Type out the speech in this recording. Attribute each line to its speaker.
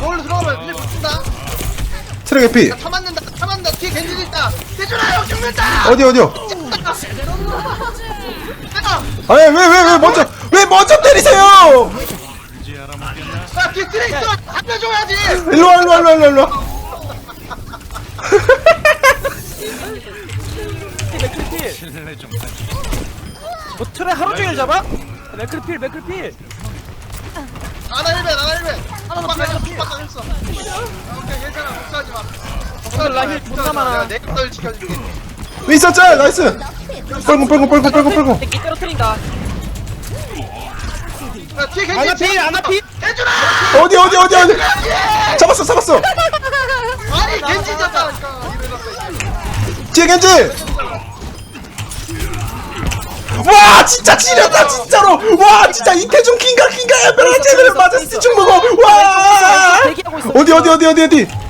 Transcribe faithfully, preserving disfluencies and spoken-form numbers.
Speaker 1: 저걸로 들어가면 그냥 붙는다.
Speaker 2: 트랙 피.
Speaker 1: 차 맞는다. 차 맞는다. 뒤에 겐지도 있다. 대준아 형 죽는다.
Speaker 2: 어디 어디요? 아니 왜 왜 왜 먼저 왜 먼저 때리세요?
Speaker 1: 야 뒤에 트레 있어. 살려줘야지.
Speaker 2: 일로 와 일로 와 일로 와 일로 와.
Speaker 3: 맥크리필 뭐 트레 하루 종일 잡아? 맥크리필 맥크리필
Speaker 1: 아나 일벤 아나 일벤.
Speaker 3: 하나 더
Speaker 1: 빡
Speaker 3: 필요해,
Speaker 1: 했어.
Speaker 3: 필요해.
Speaker 1: 빡 했어. 오케이 괜찮아. 걱정하지 마.
Speaker 3: 오늘 라힐 존나 많아.
Speaker 1: 내가 널 지켜줄게.
Speaker 2: 윈서 짤 나이스. 빨고 빨고 빨고 빨고 빨고.
Speaker 3: 새끼 떨어뜨린다
Speaker 1: 야 뒤에 겐지.
Speaker 3: 아나 필 아나 필
Speaker 1: 대준아.
Speaker 2: 어디 어디 어디 어디. 잡았어 잡았어.
Speaker 1: 아니 겐지 잡다니까.
Speaker 2: 뒤에 겐지. 와 진짜 지렸다 진짜로. 와 진짜 이태준 킹가 킹가 에베라 제대로 맞았어. 중 먹어. 와.
Speaker 3: 대기하고 있어
Speaker 2: 어디 어디 어디 어디 어디.